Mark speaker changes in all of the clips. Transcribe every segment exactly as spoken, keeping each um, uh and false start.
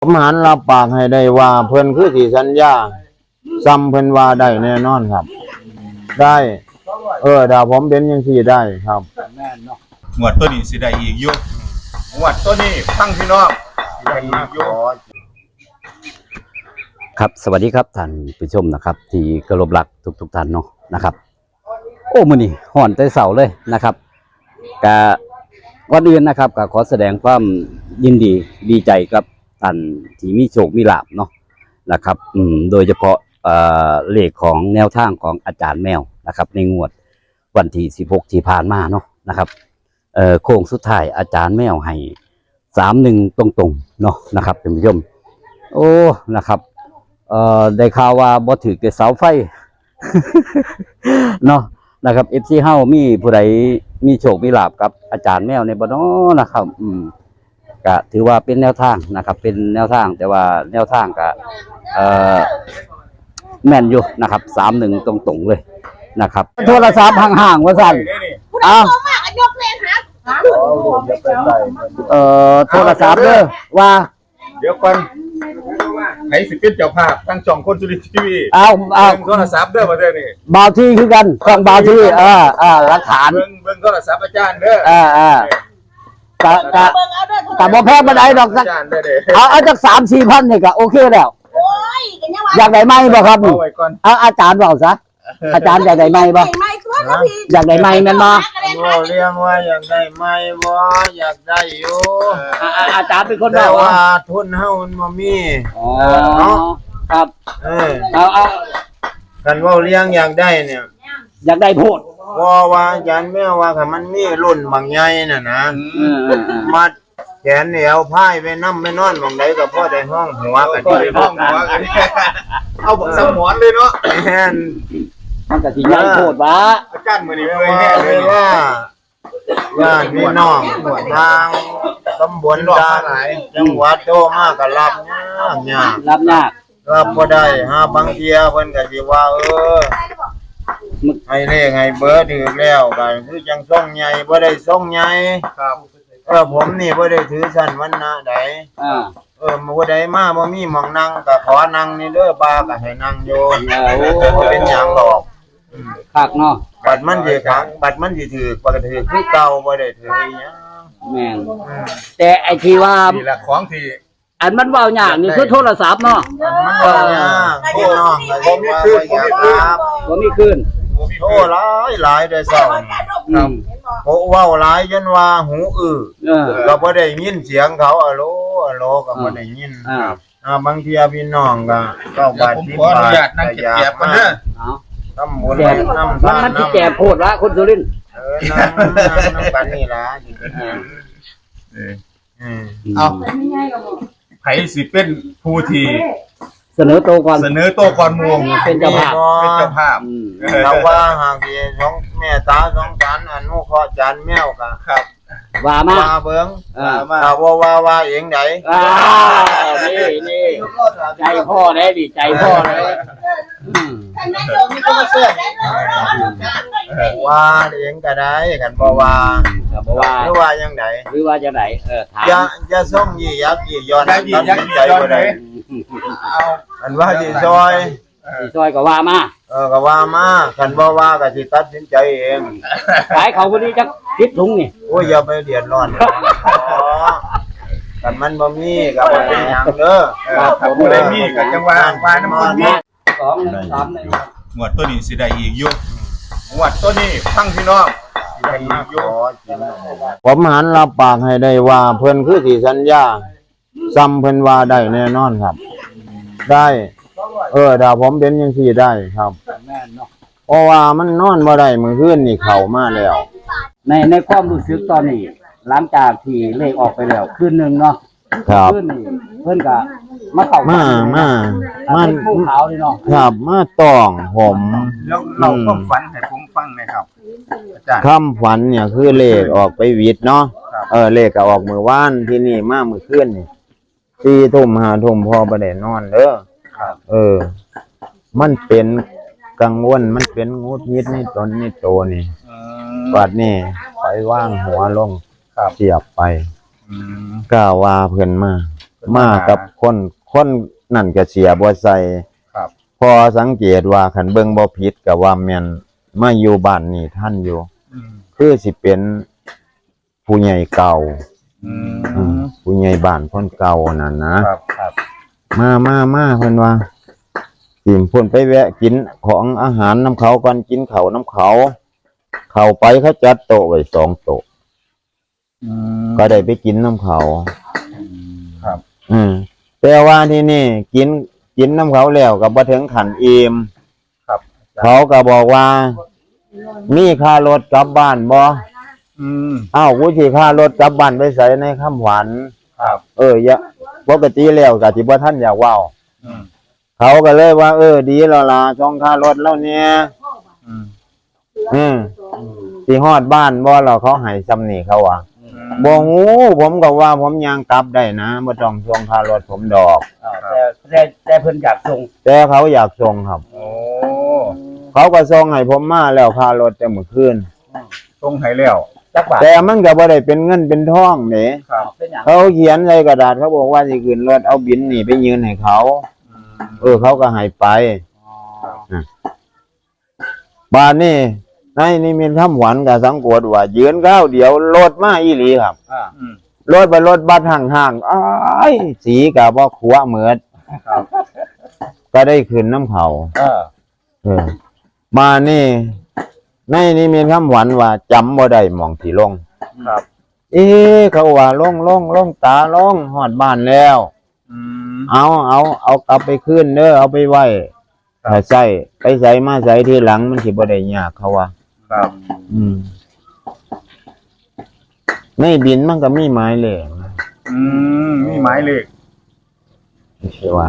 Speaker 1: ผมหันรับปากให้ได้ว่าเพิ่นคือสิสัญญาซ้ำเพิ่นว่าได้แน่นอนครับได้เออถ้าผมเป็นจังซี่ได้ครับ
Speaker 2: หมวดตัวนี้สิได้อีกอยู่หมวดตัวนี้ฟังพี่น้องได้อีกอยู่
Speaker 3: ครับสวัสดีครับท่านผู้ชมนะครับที่เคารพรักทุกทุกท่านเนาะนะครับโอ้มื้อนี้ฮ้อนแต่เช้าเลยนะครับกะก่อนอื่นนะครับก็ขอแสดงความยินดีดีใจกับท่านที่มีโชคมีลาภเนาะนะครับอืมโดยเฉพาะเอ่อเลขของแนวทางของอาจารย์แมวนะครับในงวดวันที่สิบหกที่ผ่านมาเนาะนะครับเอ่อโค้งสุดท้ายอาจารย์แมวให้สามหนึ่งตรงๆเนาะนะครับท่านผู้ชมโอ้นะครับเอ่อได้ข่าวว่าบ่ถือแต่เสาไฟ เนาะนะครับ เอฟ ซี เฮามีผู้ใดมีโชคมีลาภกับอาจารย์แมวในบ่เนาะนะครับอืมก็ถือว่าเป็นแนวทางนะครับเป็นแนวทางแต่ว่าแนวทางก็เอ่อแม่นอยู่นะครับสามหนึ่งตรงๆเลยนะครับโทรศัพท์ห่างๆว่าซั่นอ้าว
Speaker 4: ยกเลยครับ
Speaker 3: เอ่อโทรศัพท์เด้อว่า
Speaker 2: เดี๋ยวก่อนไหนสิเป็นเจ้าภาพทั้งช่องคนสุรินทร์ทีวี
Speaker 3: เอาเอา
Speaker 2: เบิ่งโทรศัพท์เด้อประเทศนี้
Speaker 3: บ่าวที่คือกันช่องบ่าวที่เออเออหลักฐาน
Speaker 2: เบิ่งเบิ่งโทรศัพท์อาจารย์เด้อ
Speaker 3: เออเออ กะกะกะบ่แพ้บ่ได้ดอกสักเอาเอาจาก สามสี่พันนี่ก็โอเคแล้วอยากได้ไหมบ่ครับนี่เอาอาจารย์เว้าซะอาจารย์อยากได้ไหมบ่อยากได้ไหมแม่นบ่
Speaker 1: บ่เรียงว่าอยากได้ไหมบ่อยากได้อยู่
Speaker 3: อาจารย์เป็นคน
Speaker 1: แต่
Speaker 3: เว้า
Speaker 1: ว่าทุนเฮามันบ่มี
Speaker 3: อ๋อครับ
Speaker 1: เออ
Speaker 3: เอาเอา
Speaker 1: กันเว้าเรียงอยากได้เนี่ย
Speaker 3: อยากได้โพด
Speaker 1: บ่ว่าอาจารย์แม่ว่าคันมันมีรุ่นบางใหญ่น่ะนะมัดแขนเหนียวพายไปนำไปนอนหม่องใดก็พอได้ห้องหัวกัน
Speaker 2: ได้ห้องหัวกันเอาบ่สมอนเลยเนาะ
Speaker 1: แม่น
Speaker 3: มันก็สิใหญ่โพดว่า
Speaker 2: อาจารย์มื้อนี้เมื่อยแน่เลย
Speaker 1: ว่าญาติพี่น้องทางตำบลดาจังหวัดโตมาก็รับยากยาก
Speaker 3: รับยาก
Speaker 1: รับบ่ได้หาบางเที่ยเพิ่นก็สิว่าเออให้เลขให้เบอร์ถือแล้วก็คือจังส่งใหญ่บ่ได้ส่งใหญ่
Speaker 2: ครับ
Speaker 1: เออผมนี่บ่ได้ถือสั้นวันนะใด
Speaker 3: อ่า
Speaker 1: เออบ่ได้มาบ่มีหม่องนั่งก็ขอนั่งนี่เด้อบาก็ให้นั่งอยู่บ่เป็นหยังหรอก
Speaker 3: คักเนาะ
Speaker 1: บัดมันสิคักบัดมันสิถือบ่ก็ถือคือเก่าบ่ได้ถืออีหยัง
Speaker 3: แม่นแต่ไอ้ที่ว่า
Speaker 2: นี่ล่ะของที่
Speaker 3: อันมันเว้ายากนี่คือโทรศัพท์เนาะ
Speaker 1: มันเว้ายากพี่น้องก็บ่มีคืนบ่มีคืน
Speaker 3: บ่มีคืน
Speaker 1: โอ้หลายหลายได้เศร้าครับโอ้เว้าหลายจนว่าหูอื้อก็บ่ได้ยินเสียงเขาอะโลอะโลก็บ่ได้ยินครับอ่าบางทีพี่น้องก็เก้าบาทสิบบาท
Speaker 2: นั่งเก็บๆกันเด้อ
Speaker 1: เอาทำบุญนำ
Speaker 3: มันมันสิแก่โพดละคนสุรินทร์
Speaker 1: เออนำนำกันนี่ล่ะสิเป็นหยัง
Speaker 2: เออเอาไผสิเป็นผู้ที่
Speaker 3: เสนอโตก่อน
Speaker 2: เสนอโตก่อนหมู่
Speaker 3: เป็นเจ้าภาพ
Speaker 2: เป็นเจ้าภาพ
Speaker 1: เราว่าหากสิสองแม่ตาสองจานอนุเคราะห์จานแมวก็
Speaker 2: ครับ
Speaker 3: ว่ามา
Speaker 1: ว่าเบิ่งอ่าว่าว่าว่าเองได
Speaker 3: อ่านี่นี่ใจพ่อเด้ดิใจพ่อเด้อืม
Speaker 1: ว่าเองก็ได้กันบ่ว่า
Speaker 3: บ่ว่า
Speaker 1: หรือว่าจังได
Speaker 3: หรือว่าจังไดเออถาม
Speaker 1: อย่าอย่าส่งยี่ยักยี่ย้อนตัดสินใจบ่ได้เอาอันว่าสิซอย
Speaker 3: สิซอยก็ว่ามา
Speaker 1: เออก็ว่ามาคันบ่ว่าก็สิตัดสินใจเอง
Speaker 3: ขายเขาบ่นี้จักสิบถุงนี่
Speaker 1: โอ้ยอย่าไปเดือดร้อนอ๋อกันมันบ่มีก็บ่เป็นหยังเด้อ
Speaker 2: ครับบ่ได้มีก็จังว่าว่าน้ำมันมี
Speaker 3: สอง หนึ่ง สาม หนึ่ง
Speaker 2: หมวดตัวนี้สิได้อีกอยู่หมวดตัวนี้ฟังพี่น้องสิได้อีกอยู่
Speaker 1: ผมหันรับปากให้ได้ว่าเพิ่นคือสิสัญญาซ้ำเพิ่นว่าได้แน่นอนครับได้เออถ้าผมเป็นจังซี่ได้ครับเพราะว่ามันนอนบ่ได้มื้อคืนนี่เข้ามาแล้ว
Speaker 3: ในในความรู้สึกตอนนี้หลังจากที่เลขออกไปแล้วคืนนึงเนาะ
Speaker 1: ครับ
Speaker 3: คืนนี้เพิ่นก็มาเข้า
Speaker 1: มามา
Speaker 3: มันภูขาวนี่เนาะ
Speaker 1: ครับมาต้องผม
Speaker 2: แล้วเราความฝันให้ผมฟังหน่อยครับอาจารย์
Speaker 1: คำฝันเนี่ยคือเลขออกไปวิทย์เนาะเออเลขก็ออกมื้อวานที่นี่มามื้อคืนนี่สี่ทุ่มห้าทุ่มพอบ่ได้นอนเด้อเออมันเป็นกังวลมันเป็นงุดงิดในตนในโตนี่บัดนี้ไปว่างหัวลงเสียบไปกล้าว่าเพิ่นมามากับคนคนนั่นก็เสียบ่ใส่
Speaker 2: ครับ
Speaker 1: พอสังเกตว่าคันเบิ่งบ่ผิดก็ว่าแม่นมาอยู่บ้านนี่ท่านอยู่
Speaker 2: อืม
Speaker 1: คือสิเป็นผู้ใหญ่เก่า
Speaker 2: อื
Speaker 1: อืม
Speaker 2: ม
Speaker 1: ผู้ใหญ่บ้านคนเก่านั่นนะครับ
Speaker 2: ครับ
Speaker 1: มามามาเพิ่นว่ากินเพิ่นไปแวะกินของอาหารน้ำเขาก่อนกินข้าวน้ำเขา เข้าไปเขาจัดโต๊ะไว้สองโต๊ะ
Speaker 2: อืม
Speaker 1: ก็ได้ไปกินน้ำเขา
Speaker 2: ครับ
Speaker 1: อืมแต่ว่าที่นี่กินกินน้ำเขาแล้วก็บ่ถึงขันอิ่ม
Speaker 2: ครับ
Speaker 1: เขาก็บอกว่า มีค่ารถกลับบ้านบ่
Speaker 2: อืม
Speaker 1: อ้าวกูสิค่ารถกลับบ้านไปใส่ในคำหวาน
Speaker 2: ครับ
Speaker 1: เอออย่าปกติแล้วก็สิบ่ทันอยากเว้า
Speaker 2: อืม
Speaker 1: เขาก็เลยว่า เออ ดีแล้วล่ะช่องค่ารถแล้วเนี่ย
Speaker 2: อืม
Speaker 1: อืมสิฮอดบ้านบ่แล้วเขาให้ซำนี่เขาว่า
Speaker 2: อืม
Speaker 1: บ่ฮู้ผมก็ว่าผมยังกลับได้นะบ่ต้องช่องค่ารถผมดอก
Speaker 3: อ่าแต่แต่แต่เพิ่นอยากส่ง
Speaker 1: แต่เขาอยากส่งครับ
Speaker 2: โอ้
Speaker 1: เขาก็ส่งให้ผมมาแล้วค่ารถแต่เมื่อคืน
Speaker 2: ส่งให้แล้ว
Speaker 3: จักบาท
Speaker 1: แต่มันก็บ่ได้เป็นเงินเป็นทองเด้
Speaker 2: ครับ
Speaker 3: เป็นหยัง
Speaker 1: เขาเขียนใส่กระดาษเขาบอกว่าสิขึ้นรถเอาบินนี่ไปยืนให้เขา
Speaker 2: อืม
Speaker 1: เออเขาก็ให้ไป
Speaker 3: อ๋อ
Speaker 1: บ้านนี่ในนี่มีคำหวานกับสังกวดว่ายืนก้าวเดียวรถมาอีหลีครับ
Speaker 3: อ่า
Speaker 2: อืม
Speaker 1: รถไปรถบัสห่างๆอ้ายสีกับบ่ขัวเหมือด
Speaker 2: ครับ
Speaker 1: ก็ได้ขึ้นน้ำเขา
Speaker 3: เออ
Speaker 1: เออมานี่ในนี่มีคำหวานว่าจำบ่ได้หมองที่ลง
Speaker 2: ครับ
Speaker 1: เอ๊ะเขาว่าลงลงลงตาลงหอดบ้านแล้ว
Speaker 2: อืม
Speaker 1: เอาเอาเอากลับไปคืนเด้อเอาไปไว้
Speaker 2: ครับ
Speaker 1: ถ้าใส่ไปใส่มาใส่ทีหลังมันสิบ่ได้ยากเขาว่า
Speaker 2: ครับ
Speaker 1: อืมในบินมันก็มีหมายเลขนะ
Speaker 2: อืมมีหมายเลข
Speaker 1: ไม่ใช่ว่า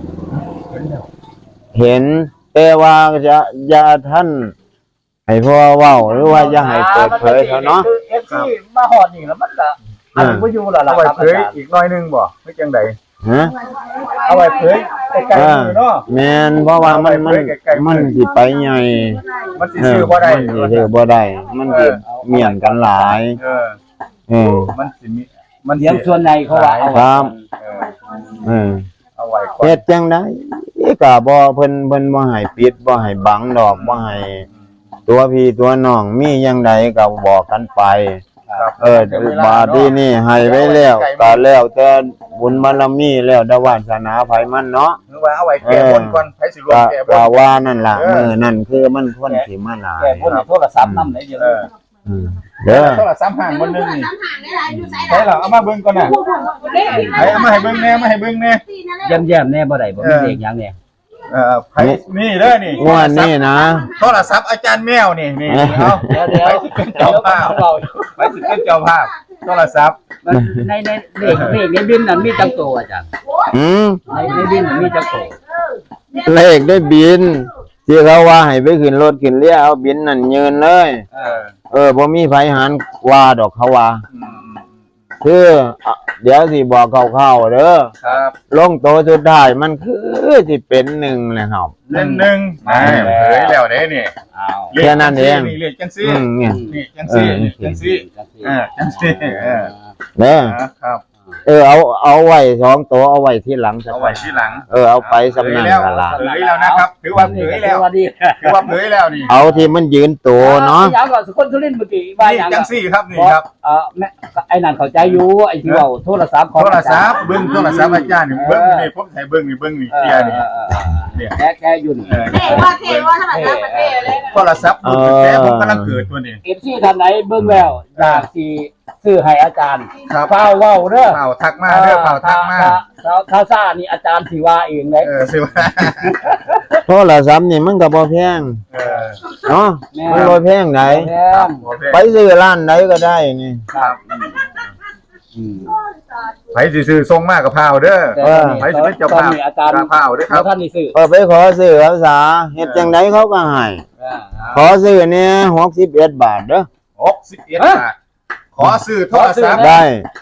Speaker 1: เห็นแต่ว่าจะอย่าท่านให้พ่อเว้าหรือว่าอย่าให้เปิดเผยเขาเนาะ
Speaker 3: คือ เอฟ ซีมาฮอดนี่แล้วมันก็อันบ่อยู่แล้วล่ะ
Speaker 2: เอาไว้
Speaker 3: ครับ
Speaker 2: เผยอีกหน้อยหนึงบ่ไม่จังใด
Speaker 1: ฮะ
Speaker 2: เอาไว้เผยใกล้ๆมือเนาะ
Speaker 1: แม่นเพราะว่ามันมัน
Speaker 2: เอาไว้ใกล้ๆมือ
Speaker 1: มันสิไปใหญ่
Speaker 2: มันสิซื้อบ่ได้
Speaker 1: มันสิซื้อบ่ได้ มันสิเมียนกันหลาย
Speaker 2: เออ
Speaker 1: เออ
Speaker 2: มันสิมีมัน
Speaker 3: เสียงส่วนในเขาว่าเอา
Speaker 1: ครับ
Speaker 2: เออ
Speaker 1: เออ
Speaker 2: เอาไว้ก่อน
Speaker 1: เฮ็ดจังได๋ก็บ่เพิ่นเพิ่นบ่ให้ปิดบ่ให้บังดอกบ่ให้ตัวพี่ตัวน้องมีจังไดก็บอกกันไป
Speaker 2: ครับ
Speaker 1: เออบาดนี้นี่ให้ไว้แล้วก็แล้วแต่บุญบารมีแล้วแต่วาสนาไผมันเนาะ
Speaker 2: หรือว่าเอาไว้แก้บนก่อนไผสิรวม
Speaker 1: ก็
Speaker 2: แก้บ
Speaker 1: ก็
Speaker 2: น
Speaker 1: ว่านั่นล่ะ
Speaker 2: เออ
Speaker 1: มื้อนั่นคือมันคนสิมาหลาย
Speaker 3: แก่คนในโทรศัพท์นำได้เดียว
Speaker 2: เออ
Speaker 1: อืมเด้อ
Speaker 2: โทรศัพท์ห่างบนนึงนี่ใช่เหรอเอามาเบิ่งก่อนน่ะไผเอามาให้เบิ่งแน่มาให้เบิ่งแน่
Speaker 3: แย้มๆแน่บ่ได้บ่มีเลขหยังเนี่ย
Speaker 2: เออไผนี่เด้อนี่
Speaker 1: งวดนี้นะ
Speaker 2: โทรศัพท์อาจารย์แมวนี่นี่
Speaker 1: เออ
Speaker 2: เอา
Speaker 3: เดี๋ยวเดี๋ยว
Speaker 2: ไปสิเป็นเจ้าภาพไปสิเป็นเจ้าภาพโทรศัพท์
Speaker 3: มันในในเลขเลขในบินนั้นมีจังโตอาจารย์
Speaker 1: อืม
Speaker 3: ในในบินนั้นมีจังโต
Speaker 1: เลขได้บินที่เขาว่าให้ไปขึ้นรถขึ้นเรือเอาบินนั่นยืนเลย
Speaker 2: เออ
Speaker 1: เออบ่มีไผหารว่าดอกเขาว่า
Speaker 2: อืม
Speaker 1: คืออ่ะเดี๋ยวสิบอกคร่าวๆเด้อ
Speaker 2: ครับ
Speaker 1: ลงโตสุดท้ายมันคือสิเป็นหนึ่งเลยครับ
Speaker 2: หนึ่งหนึ่งอ่าเผยแล้วเด้นี่
Speaker 3: อ้าว
Speaker 2: เลข
Speaker 1: แค่นั้นเอง
Speaker 2: นี่เลขจังซี่
Speaker 1: อืมเนี่ย
Speaker 2: นี่จังซี่นี่จังซี่
Speaker 3: จังซี่
Speaker 2: เออจังซี่เออ
Speaker 1: เด้อ
Speaker 2: ครับ
Speaker 1: เออเอาเอาไว้สองโตเอาไว้ที่หลังสัก
Speaker 2: เอาไว้ที่หลัง
Speaker 1: เออเอาไปสำนัก
Speaker 2: เผยแล้ว
Speaker 1: กันละ
Speaker 2: เผยแล้วนะครับถือว่าเผยแล้ว
Speaker 3: สวัสดี
Speaker 2: ถือว่าเผยแล้วนี่
Speaker 1: เอาที่มันยืนโตเนาะ
Speaker 3: อย่างก่อนสุคนสุรินทร์เมื่อกี้ว่า
Speaker 2: นี่
Speaker 3: อย่าง
Speaker 2: จังซี่ครับนี่ครับ
Speaker 3: เออแม่ไอ้นั่นเข้าใจอยู่ไอ้ที่ว่าโทรศัพท์ของ
Speaker 2: โทรศัพท์เบิ้งโทรศัพท์อาจารย์นี่เบิ้งนี่ผมใส่เบิ้งนี่เบิ้งนี่
Speaker 3: เอ
Speaker 2: เคลีย
Speaker 3: อ
Speaker 2: ร์นี่
Speaker 3: เออเออ
Speaker 2: เนี่ย
Speaker 3: แกแกอยู่นี่
Speaker 2: เออ
Speaker 4: เท่ว่าเท่ว่าถ้ามันรับประเทศเลย
Speaker 2: โทรศัพท์รุ่นแท้ผมกำลังเกิดตัวนี้
Speaker 3: เอฟซีท่านไหนเบิ่งแล้วอยากสิซื้อให้อาจารย์
Speaker 2: ครับ
Speaker 3: เฝ้าเว้าเด้อ
Speaker 2: เป่าทักมาเด้อเป่าทักมา
Speaker 3: ถ้าถ้าซ่านี่อาจารย์สิว่าเองเลย
Speaker 2: เออสิว่า
Speaker 1: โทรศัพท์นี่มันก็บ่แพง
Speaker 2: เออ
Speaker 1: เนาะมันบ่แพงไหน
Speaker 3: แพง
Speaker 2: โอเค
Speaker 1: ไปซื้อร้านไหนก็ได้นี่
Speaker 2: ครับ
Speaker 3: อืม
Speaker 2: ไผสิซื้อทรงมากกับพาวเด้อ
Speaker 3: แต่
Speaker 1: เออ
Speaker 3: ตอนนี้
Speaker 2: ไผสิเป็นเจ้า
Speaker 3: ตอน
Speaker 2: ภาพ
Speaker 3: นี้อาจารย์
Speaker 2: เจ้าภาพเด้อค
Speaker 3: แล้
Speaker 2: รั
Speaker 3: ว
Speaker 2: บ
Speaker 3: ท่านนี่ซื้อ
Speaker 1: เออไปขอซื้อภาษาเฮ็ดจังไดเขาก็ให้
Speaker 3: อ่า
Speaker 1: ขอซื้อเนี่ยหกสิบเอ็ดบาทเด้อ
Speaker 2: หกสิบเอ็ดบาทขอซื้อโทรศัพท์
Speaker 1: ได้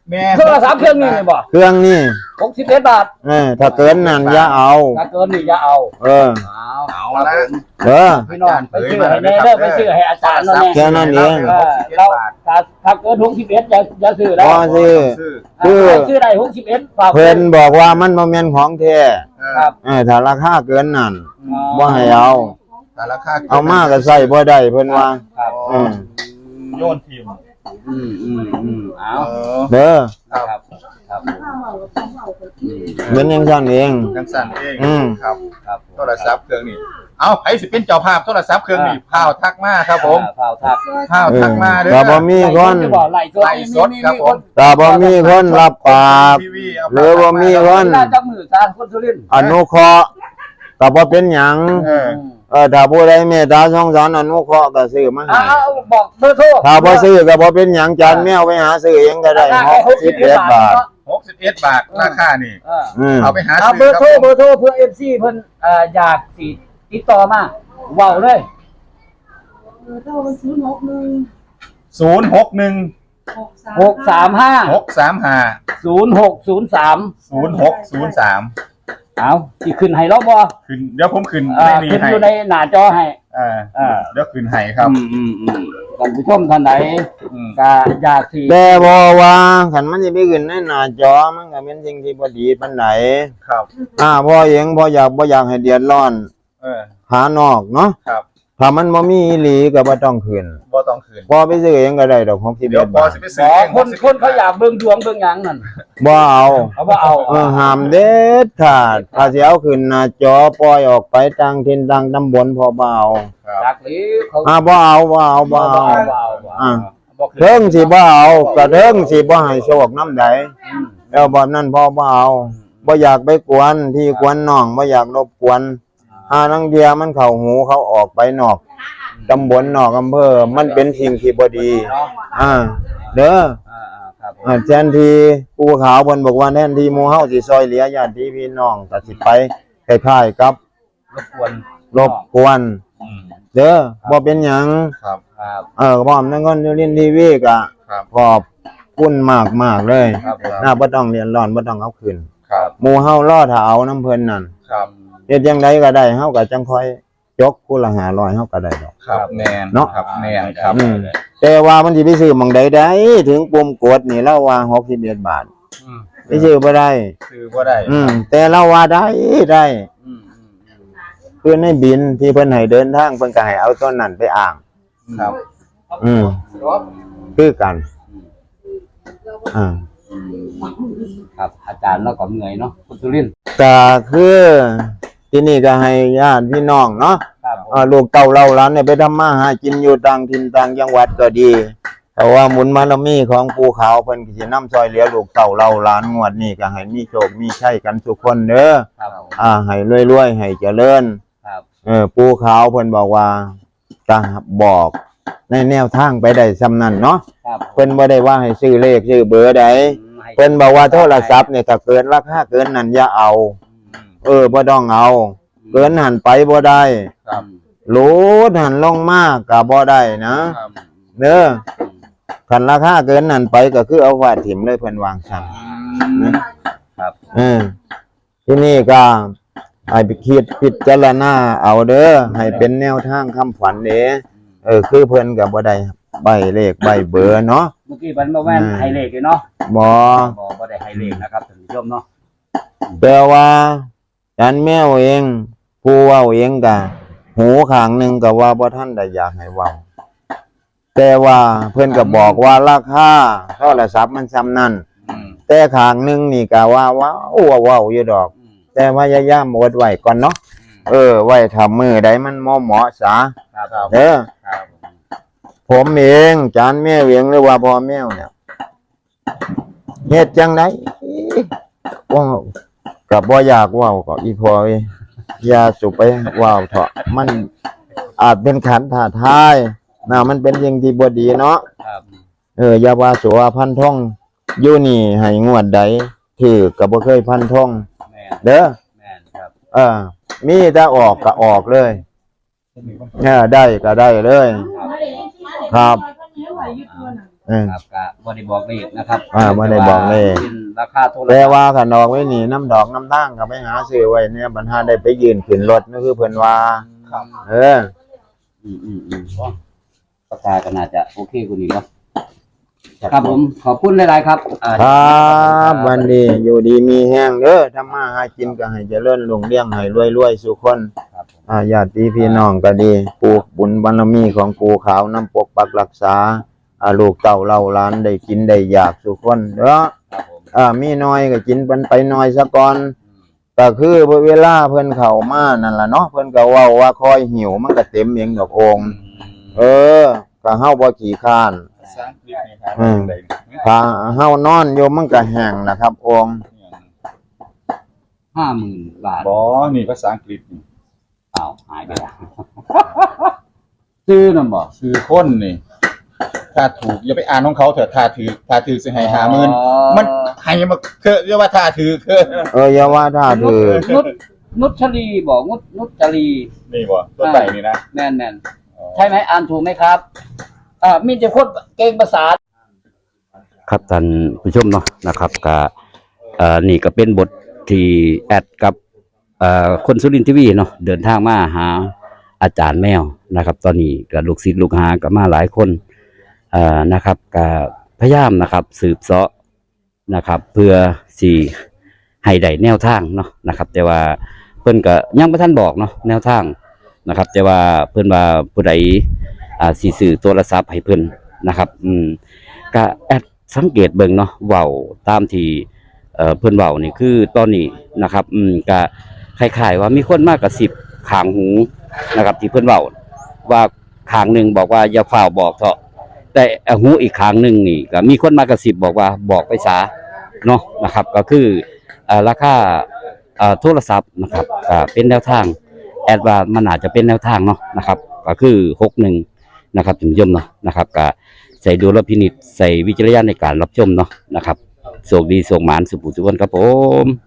Speaker 2: แม่
Speaker 3: โทรศัพท์เครื่องนี้นี่บ่
Speaker 1: เครื่องนี่
Speaker 3: หกสิบเอ็ดบาท
Speaker 1: เออถ้าเกินนั้นอย่าเอา
Speaker 3: ถ้าเกินนี่อย่าเอา
Speaker 1: เออ
Speaker 3: เอา
Speaker 2: เอาละ
Speaker 1: เออ
Speaker 3: พี่น้องไปซื้อให้แน่เด้อไปซื้อให้อาจารย์นั่นแหละ
Speaker 1: แค่นั้นเอง
Speaker 3: เออเราถ้าถ้าเกินหกสิบเอ็ดอย่าอย่าซื้อแล้ว
Speaker 1: พอซื้อ
Speaker 2: ซื้อ
Speaker 1: คือ
Speaker 3: ซื้อได้หกสิบเอ็ดฝาก
Speaker 1: เพิ่นบอกว่ามันบ่แม่นของแท้
Speaker 3: ครับ
Speaker 1: เออถ้าราคาเกินนั้นบ่ให้เอา
Speaker 2: แต่ราคา
Speaker 1: เอามาก็ใส่บ่ได้เพิ่นว่า
Speaker 3: ครับ
Speaker 1: อืม
Speaker 2: โยนทีม
Speaker 3: อืมอืมอืมเอา
Speaker 2: เออ
Speaker 1: เด้อ
Speaker 2: ครับ
Speaker 3: ครับอืม
Speaker 1: เหมือนจังซั่นเอง
Speaker 2: จังสั่นเอง
Speaker 1: อืม
Speaker 2: ครับ
Speaker 3: ครับ
Speaker 2: โทรศัพท์เครื่องนี้เอาไผสิเป็นเจ้าภาพโทรศัพท์เครื่องนี้พาวทักมาครับผม
Speaker 3: อ่าข่าวทัก
Speaker 2: พาวทักมาเด้อ
Speaker 1: ก็บ่มีคน
Speaker 3: ไล่สด
Speaker 2: ไล่สดครับผม
Speaker 1: ถ้าบ่มีคนรับปาก
Speaker 2: ทีวีเอา
Speaker 1: หรือบ่มีคน
Speaker 3: น่าจับมือสารคนสุรินทร์
Speaker 1: อนุเคราะห์ก็บ่เป็นหยัง
Speaker 2: เออ
Speaker 1: เออถ้าผู้ใดเมตตาสงสารอนุเคราะห์ก็ซื้อมาให้
Speaker 3: เอาบอกเบอร์โทร
Speaker 1: ถ้าบ่ซื้อก็บ่เป็นหยังจานแมวไปหาซื้อเองก็ได้หกสิบเอ็ดบาท
Speaker 2: หกสิบเอ็ดบาทราคานี่
Speaker 3: เออ
Speaker 1: อืม
Speaker 2: เอาไปหา
Speaker 3: เอาเบ
Speaker 2: ซื้
Speaker 3: อ
Speaker 2: อ
Speaker 3: ร์
Speaker 2: ครับ
Speaker 3: โทร
Speaker 2: ผม
Speaker 3: เบอร์โทรเพื่อเอฟซีเพิ่นเอ่ออยากสิติดต่อมาเว้าเลย
Speaker 4: เท่าศูนย์หกหนึ่ง
Speaker 2: ศูนย์หกหนึ่ง
Speaker 4: หกสาม
Speaker 3: หกสามห้า
Speaker 2: หกสามห้า
Speaker 3: ศูนย์หกศูนย์สาม
Speaker 2: ศูนย์หกศูนย์สาม
Speaker 3: เอาสิขึ้นให้เราบ่
Speaker 2: ขึ้นเดี๋ยวผมขึ้น
Speaker 3: เอ่อ
Speaker 2: ในนี้
Speaker 3: ขึ้น
Speaker 2: ให้
Speaker 3: อยู่ในหน้าจอให้
Speaker 2: อ่า
Speaker 3: อ่า
Speaker 2: เดี๋ยวขึ้นให้ครับ
Speaker 3: อืมอืมอืมท่านผู้ชมท่านไหน
Speaker 2: อืม
Speaker 3: ก็อยากสิ
Speaker 1: แต่บ่ว่าคันมันสิไปขึ้นในหน้าจอมันก็เป็นสิ่งที่บ่ดีปานใด
Speaker 2: ครับ
Speaker 1: อ่าพ่อเองบ่อยากบ่อยากให้เดือดร้อน
Speaker 2: เออ
Speaker 1: หานอกเนาะ
Speaker 2: ครับ
Speaker 1: ถ้ามันบ่มีอีหลีก็บ่ต้องขึ้น
Speaker 2: บ่ต้องขึ้น
Speaker 1: พอไปซื้อเองก็ได้ดอกหกสิบ
Speaker 2: เดี๋ย
Speaker 1: เอ็
Speaker 2: ว
Speaker 1: ด
Speaker 2: พอบ
Speaker 1: าท
Speaker 2: สิไป
Speaker 3: บ
Speaker 2: ซื้อ
Speaker 3: อ
Speaker 2: เอก ง
Speaker 3: คนคนเขาอยากเบิ่งดวงเบิ่งหยังนั่น
Speaker 1: บ่เอา
Speaker 3: เขาบ่เอา
Speaker 1: เออห้ามเด็ดขาดถ้าสิเอาขึ้นหน้าจอปล่อยออกไปต่างถิ่นต่างตำบลพอบ่เอา
Speaker 2: ครับ
Speaker 3: จากหรือเขา
Speaker 1: อ่าบ่เอาบ่เอาบ่
Speaker 3: บ่
Speaker 1: เอา
Speaker 3: เอาบ่เอาบ่
Speaker 1: อ่า
Speaker 3: เอาบ่ขึ้น
Speaker 1: เทิงสิบ่เอาก็เทิงสิบ่ให้โชคนำใด
Speaker 3: อืม
Speaker 1: แล้วบ่นั้นพอบ่เอาบ่อยากไปกวนพี่กวนน้องบ่อยากรบกวนหานังเดียมันเข้าหูเขาออกไปนอกตำบลนอกอำเภอมันเป็นสิ่งที่บ่ดี
Speaker 3: เนาะ
Speaker 1: อ่าเด้อ
Speaker 3: อ่าๆครับผม
Speaker 1: อ่าแทนที่ผู้ขาวเพิ่นบอกว่าแทนที่หมู่เฮาสิซอยเหลือญาติพี่น้องก็สิไปคล้ายๆกับ
Speaker 3: รบกวน
Speaker 1: รบกวน
Speaker 2: อืม
Speaker 1: เด้อบ่เป็นหยัง
Speaker 2: ครับ
Speaker 3: ครับ
Speaker 1: เออพร้อมทั้งคนเรียนทีวีก็
Speaker 2: ครับ
Speaker 1: ขอบคุณมากๆเลย
Speaker 3: ครับผม
Speaker 1: น่าบ่ต้องเรียนร้อนบ่ต้องเอาคืน
Speaker 2: ครับ
Speaker 1: หมู่เฮารอถ้าเอาน้ำเพิ่นนั่น
Speaker 2: ครับ
Speaker 1: เฮ็ดจังไดก็ได้เฮาก็จังค่อยยกผู้ละห้าร้อยเฮาก็ได้ดอก
Speaker 2: ครับแมน
Speaker 1: เนาะ
Speaker 2: ครับแมนครับ
Speaker 1: อืมแต่ว่ามันสิไปซื้อหม่องใดได้ถึงปุ่มกดนี่เราว่าหกสิบเอ็ดบาท
Speaker 2: อืม
Speaker 1: ไปซื้อบ่ได้
Speaker 2: คือบ่ได้
Speaker 1: อืมแต่เราว่าได้ได้
Speaker 3: อืมอืมอืม
Speaker 1: คือในบินที่เพิ่นให้เดินทางเพิ่นก็ให้เอาต้นนั้นไปอ้าง
Speaker 2: ครับ
Speaker 1: อืมคือกัน อ่า
Speaker 3: ครับอาจารย์เราก็เหนื่อยเนาะคุณสุรินทร์
Speaker 1: ก็คือที่นี่ก็ให้ญาติพี่น้องเนาะ
Speaker 3: ครับผม
Speaker 1: อ่าลูกเต้าเล่าหลานเนี่ยไปทำมาหากินอยู่ต่างถิ่นต่างจังหวัดก็ดีแต่ว่าหมุนบารมีของปู่ขาวเพิ่นก็สินำซอยเหลือลูกเต้าเล่าหลานงวดนี้ก็ให้มีโชคมีชัยกันทุกคนเด้อ
Speaker 3: ครับผม
Speaker 1: อ่าให้รวยๆให้เจริญ
Speaker 3: ครับ
Speaker 1: เออปู่ขาวเพิ่นบอกว่าจะบอกในแนวทางไปได้ซำนั้นเนาะ
Speaker 3: ครับ
Speaker 1: เพิ่นบ่ได้ว่าให้ซื้อเลขซื้อเบอร์ใด
Speaker 3: ให้
Speaker 1: เพิ่นบอกว่าโทรศัพท์เนี่ยถ้าเกินราคาเกินนั้นอย่าเอา เออบ่ต้องเอา เกินหันไปบ่ได้
Speaker 2: ครับ
Speaker 1: โหลดหันลงมาก็บ่ได้นะครับ เด้อคันราคาเกินนั้นไปก็คือเอาไว้ถิ่มเลยเพิ่นวางซั่น
Speaker 2: อืม
Speaker 3: ครับ
Speaker 1: เออที่นี่ก็ให้ไปคิดพิจารณาเอาเด้อให้เป็นแนวทางคำฝันเด้เออคือเพิ่นก็บ่ได้ใบเลขใบเบอร์เนาะ
Speaker 3: เมื่อกี้มันมาแว่นไฮเลกเลยเนาะ
Speaker 1: บ่
Speaker 3: บ่บ่ได้ไฮเลกนะครับท่านผู้ชมเนาะ
Speaker 1: แต่ว่าจันแมวเองผู้เว้าเองก็หูข้างหนึงก็ว่าบ่ทันได้อยากให้เว้าแต่ว่าเพิ่นก็บอกว่าราคาโทรศัพท์มันซ้ำนั้น
Speaker 2: อืม
Speaker 1: แต่ข้างหนึงนี่ก็ว่าว้าวว้าวอยู่ดอก
Speaker 3: อืม
Speaker 1: แต่พยายามอดไว้ก่อนเนาะเออไว้ถ้ามือใดมันเหมาะเหมาะซะ
Speaker 3: ครับครับ
Speaker 1: เด้อ
Speaker 3: ครับ
Speaker 1: ผมเองจานแม่เวียงหรือว่าพ่อแมวเนี่ยเฮ็ดจังไดว่าก็บ่อยากเว้าก็อีพ่อเอ้ยอย่าสุไปเว้าเถาะมันอาจเป็นขันท้าทายน่ะมันเป็นสิ่งที่บ่ดีเนาะ
Speaker 3: ครับ
Speaker 1: เอออย่าว่าสัวพันท่องอยู่นี่ให้งวดใดถือก็บ่เคยพันท่อง
Speaker 3: แม่น
Speaker 1: เด้อ
Speaker 3: แม่นครับ
Speaker 1: เออมีแต่ออกก็ออกเลยเออได้ก็ได้เลย ครับเออ
Speaker 3: ครับก็บ่ได้บอกเลขนะครับ
Speaker 1: อ่าบ่ได้บอกเลข
Speaker 3: เป็นราคาโทรศัพท์
Speaker 1: แต่ว่าคันออกไว้นี่น้ำดอกน้ำตั้งก็ไปหาซื้อไว้เนี่ยบรรหาได้ไปยืนขึ้นรถนั่นคือเพิ่นว่า
Speaker 2: ครับ
Speaker 1: เออ
Speaker 3: อืมอืมอืมอ๋อราคาก็น่าจะโอเคกว่านี้เนาะครับผมขอบคุณหลายๆครับอ่า
Speaker 1: ครับวันนี้อยู่ดีมีแห้งเด้อทำมาหากินก็ให้เจริญรุ่งเรืองให้รวยๆสุขคน
Speaker 3: ครับผม
Speaker 1: อ่าญาติพี่น้องก็ดีปู่บุญบารมีของปู่ขาวนำปกปักรักษาอ่าลูกเต้าเล่าหลานได้กินได้อยากสุขคนเด้อ
Speaker 3: ครับผม
Speaker 1: อ่ามีน้อยก็กินเพิ่นไปน้อยซะก่อนก็คือเวลาเพิ่นเข้ามานั่นล่ะเนาะเพิ่นก็เว้าว่าคอยหิวมันก็เต็มเองดอกองค์เออก็เฮาบ่ขี้ค้าน
Speaker 2: ภาษาอังกฤษนี่ครับ
Speaker 1: อืม ถ้าเฮานอนอยู่มันก็แห้งนะครับองค์
Speaker 3: ห้าหมื่นบาท
Speaker 2: บอนี่ภาษาอังกฤษนี่
Speaker 3: อ้าวหายไปแล้ว ซื้อนำบ่
Speaker 2: คือคนนี่ ถ้าถูกอย่าไปอ่านของเขาเถอะถ้าถือถ้าถือสิให้ห้าหมื่นมันให้มาคือเรียกว่าถ้าถือคือ
Speaker 1: เอออย่าว่าถ้าถือ
Speaker 3: นุชนุชลีบอกนุชนุชลี
Speaker 2: นี่บ่ตัวไต่นี่นะ
Speaker 3: แม่นแม่นใช่ไหมอ่านถูกไหมครับอ่ามีแต่คนเก่งภาษาครับท่านผู้ชมเนาะนะครับก็เอ่อนี่ก็เป็นบทที่แอดกับเอ่อคนสุรินทร์ทีวีเนาะเดินทางมาหาอาจารย์แมวนะครับ ตอนนี้ก็ลูกศิษย์ลูกหาก็มาหลายคนเอ่อนะครับก็พยายามนะครับ สืบเสาะนะครับ เพื่อสิให้ได้แนวทางเนาะนะครับ แต่ว่าเพิ่นก็ยังบ่ทันบอกเนาะแนวทางนะครับ แต่ว่าเพิ่นว่าผู้ใดอ่าสิซื้อโทรศัพท์ให้เพิ่นนะครับ อืมก็แอดสังเกตเบิ่งเนาะเว้าตามที่เอ่อเพิ่นเว้านี่คือตอนนี้นะครับ อืมก็คล้ายๆว่ามีคนมากระซิบข้างหูนะครับ ที่เพิ่นเว้าว่าข้างหนึงบอกว่าอย่าฟ้าวบอกเถอะแต่หูอีกข้างหนึงนี่ก็มีคนมากระซิบบอกว่าบอกไปซะเนาะนะครับ ก็คือเอ่อราคาเอ่อโทรศัพท์นะครับก็เป็นแนวทางแอดว่ามันอาจจะเป็นแนวทางเนาะนะครับก็คือหกสิบเอ็ดนะครับท่านผู้ชมเนาะนะครับก็ใส่ดุลพินิจใส่วิจารณญาณในการรับชมเนาะนะครับโชคดีโชคหมานสุขสุขคนครับผม